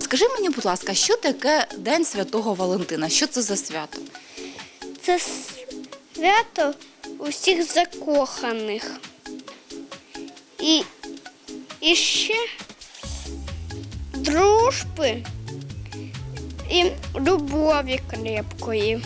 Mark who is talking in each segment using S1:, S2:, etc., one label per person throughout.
S1: скажи мені, будь ласка, що таке День Святого Валентина? Що це за свято?
S2: Це свято усіх закоханих. І ще дружби і любові крепкої.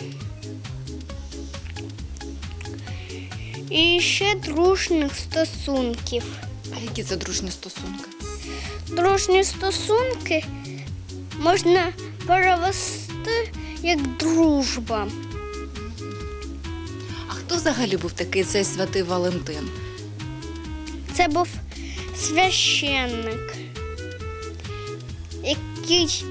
S2: І ще дружніх стосунків.
S1: А які це дружні стосунки?
S2: Дружні стосунки можна перевести як дружба.
S1: А хто взагалі був такий цей святий Валентин?
S2: Це був священник, який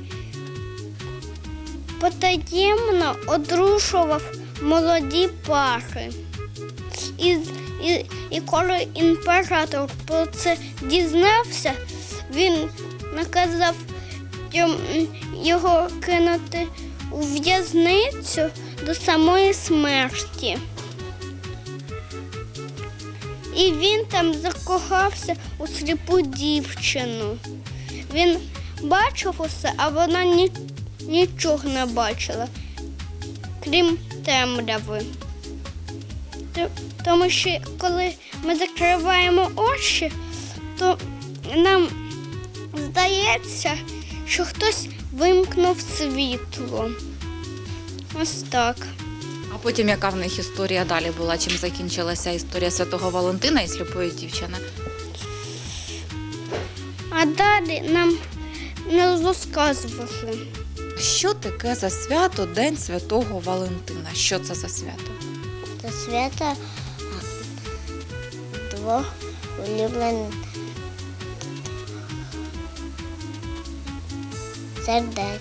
S2: потаємно одружував молоді пари. І коли імператор про це дізнався, він наказав його кинути у в'язницю до самої смерті. І він там закохався у сліпу дівчину. Він бачив усе, а вона нічого не бачила, крім темряви. Тому що коли ми закриваємо очі, то нам здається, що хтось вимкнув світло. Ось так.
S1: А потім яка в них історія далі була? Чим закінчилася історія Святого Валентина і сліпої дівчини?
S2: А далі нам не розказували.
S1: Що таке за свято День Святого Валентина? Що це за свято?
S2: Це свято двох улюблених сердець.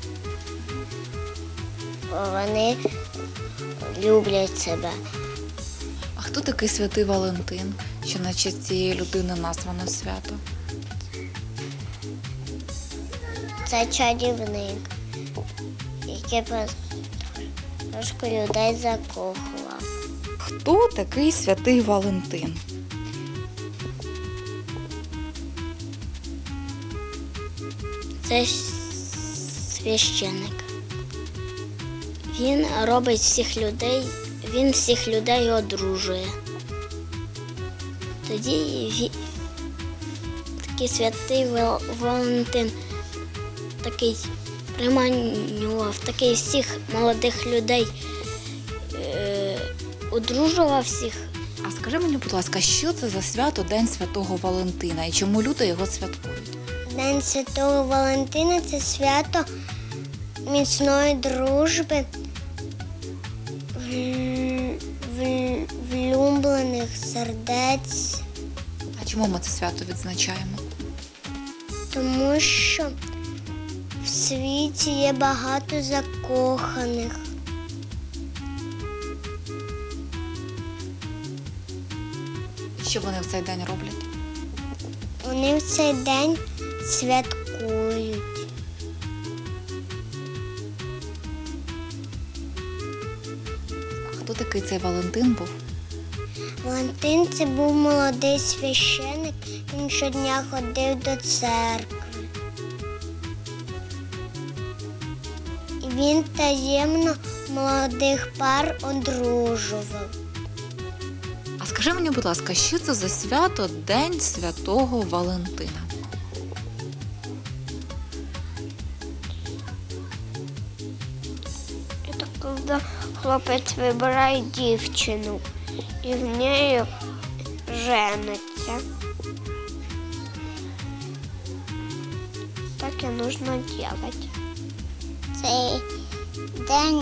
S2: Вони люблять себе.
S1: А хто такий святий Валентин? Що на честь цієї людини названо свято?
S2: Це чарівник, який трошки людей закохував.
S1: Хто такий святий Валентин?
S2: Це священник. Він робить він всіх людей одружує. Тоді такий святий Валентин такий приманював, такий всіх молодих людей одружував всіх.
S1: А скажи мені, будь ласка, що це за свято День Святого Валентина і чому люди його святкують?
S2: День Святого Валентина – це свято міцної дружби, влюблених сердець.
S1: А чому ми це свято відзначаємо?
S2: Тому що в світі є багато закоханих.
S1: Що вони в цей день роблять?
S2: Вони в цей день святкують.
S1: А хто такий цей Валентин був?
S2: Валентин – це був молодий священик, він щодня ходив до церкви. І він таємно молодих пар одружував.
S1: А скажи мені, будь ласка, що це за свято День Святого Валентина?
S2: Это когда хлопець вибирає дівчину і в неї жениться. Так і нужно делать. Цей день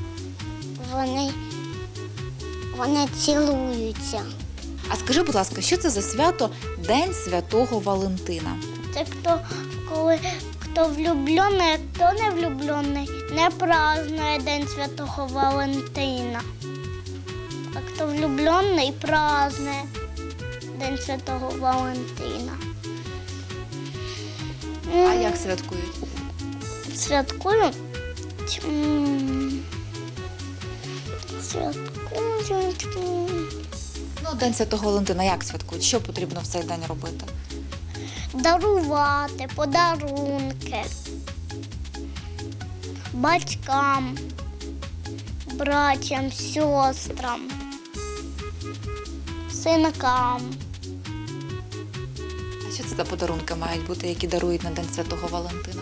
S2: вони цілуються.
S1: А скажи, будь ласка, що це за свято День Святого Валентина?
S2: Це хто влюблений, а хто не влюблений, не празднує День Святого Валентина. А хто влюблений, празднує День Святого Валентина.
S1: А як святкують?
S2: Святкують?
S1: Ну, День Святого Валентина як святкують? Що потрібно в цей день робити?
S2: Дарувати подарунки. батькам, братям, сестрам, синкам.
S1: А що це за подарунки мають бути, які дарують на День Святого Валентина?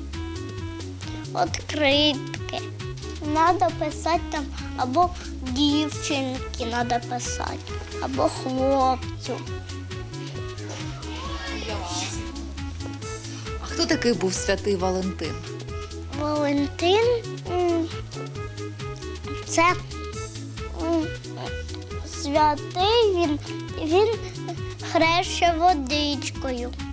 S2: Откритки. Надо писати там або дівчинки треба писати, або хлопцю.
S1: А хто такий був святий Валентин?
S2: Валентин це святий, він хреще водичкою.